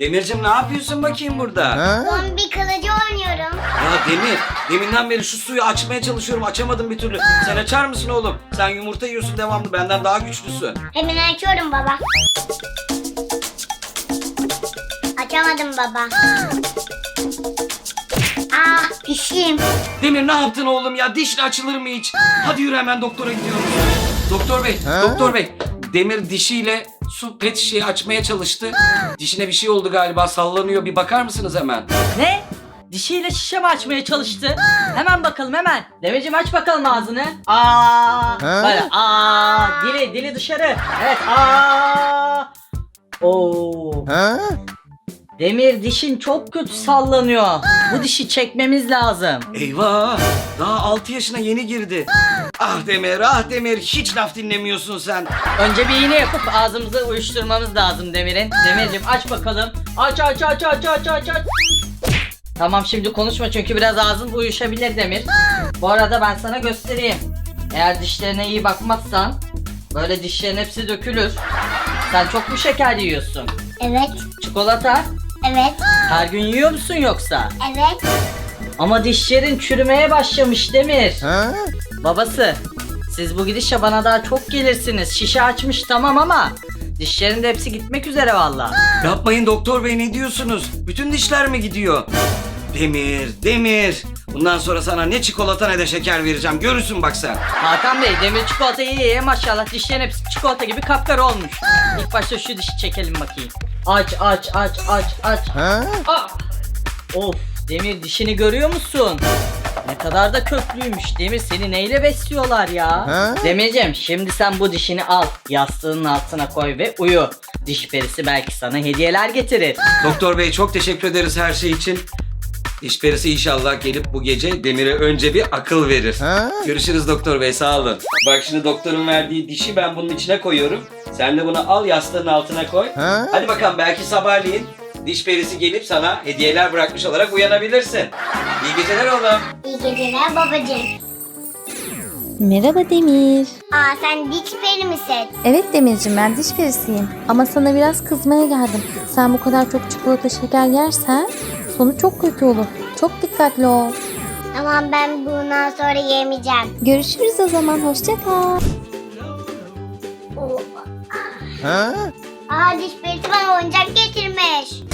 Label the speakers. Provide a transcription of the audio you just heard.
Speaker 1: Demircim ne yapıyorsun bakayım burada?
Speaker 2: Zombi kılıcı oynuyorum.
Speaker 1: Ya Demir, deminden beri şu suyu açmaya çalışıyorum, açamadım bir türlü. Sen açar mısın oğlum? Sen yumurta yiyorsun devamlı, benden daha güçlüsün.
Speaker 2: Hemen açıyorum baba. Açamadım baba. Ah dişim.
Speaker 1: Demir ne yaptın oğlum ya? Dişle açılır mı hiç? Hadi yürü, hemen doktora gidiyoruz. Doktor bey, doktor bey. Demir dişiyle su pet şişeyi açmaya çalıştı. Dişine bir şey oldu galiba, sallanıyor. Bir bakar mısınız hemen?
Speaker 3: Ne? Dişiyle şişe mi açmaya çalıştı? Hemen bakalım hemen. Demircim aç bakalım ağzını. Böyle dili dışarı. Evet Oo. Demir dişin çok kötü sallanıyor. Bu dişi çekmemiz lazım.
Speaker 1: Eyvah! Daha 6 yaşına yeni girdi. Ah Demir, ah Demir. Hiç laf dinlemiyorsun sen.
Speaker 3: Önce bir iğne yapıp ağzımızı uyuşturmamız lazım Demir'in. Demircim aç bakalım. Aç. Tamam şimdi konuşma çünkü biraz ağzın uyuşabilir Demir. Bu arada ben sana göstereyim. Eğer dişlerine iyi bakmazsan böyle dişlerin hepsi dökülür. Sen çok mu şeker yiyorsun?
Speaker 2: Evet.
Speaker 3: Çikolata?
Speaker 2: Evet.
Speaker 3: Her gün yiyor musun yoksa?
Speaker 2: Evet.
Speaker 3: Ama dişlerin çürümeye başlamış Demir. Babası, siz bu gidişle bana daha çok gelirsiniz. Şişe açmış tamam ama dişlerin de hepsi gitmek üzere valla.
Speaker 1: Yapmayın doktor bey, ne diyorsunuz? Bütün dişler mi gidiyor? Demir. Bundan sonra sana ne çikolata ne de şeker vereceğim. Görürsün bak sen.
Speaker 3: Hakan Bey, Demir çikolata ye maşallah dişlerin hepsi çikolata gibi kapkara olmuş. İlk başta şu dişi çekelim bakayım. Aç. Of, Demir dişini görüyor musun? Ne kadar da köklüymüş. Demir seni neyle besliyorlar ya? Demircim şimdi sen bu dişini al. Yastığının altına koy ve uyu. Diş perisi belki sana hediyeler getirir.
Speaker 1: Doktor bey çok teşekkür ederiz her şey için. Diş perisi inşallah gelip bu gece Demir'e önce bir akıl verir. Görüşürüz doktor bey, sağ olun. Bak şimdi doktorun verdiği dişi ben bunun içine koyuyorum. Sen de bunu al, yastığın altına koy. Hadi bakalım, belki sabahleyin diş perisi gelip sana hediyeler bırakmış olarak uyanabilirsin. İyi geceler oğlum.
Speaker 2: İyi geceler babacığım.
Speaker 4: Merhaba Demir.
Speaker 2: Sen diş peri misin?
Speaker 4: Evet Demirciğim, ben diş perisiyim. Ama sana biraz kızmaya geldim. Sen bu kadar çok çikolata şeker yersen sonu çok kötü olur. Çok dikkatli ol.
Speaker 2: Tamam, ben bundan sonra yemeyeceğim.
Speaker 4: Görüşürüz o zaman. Hoşça kal.
Speaker 2: Diş perisi bana oyuncak getirmiş.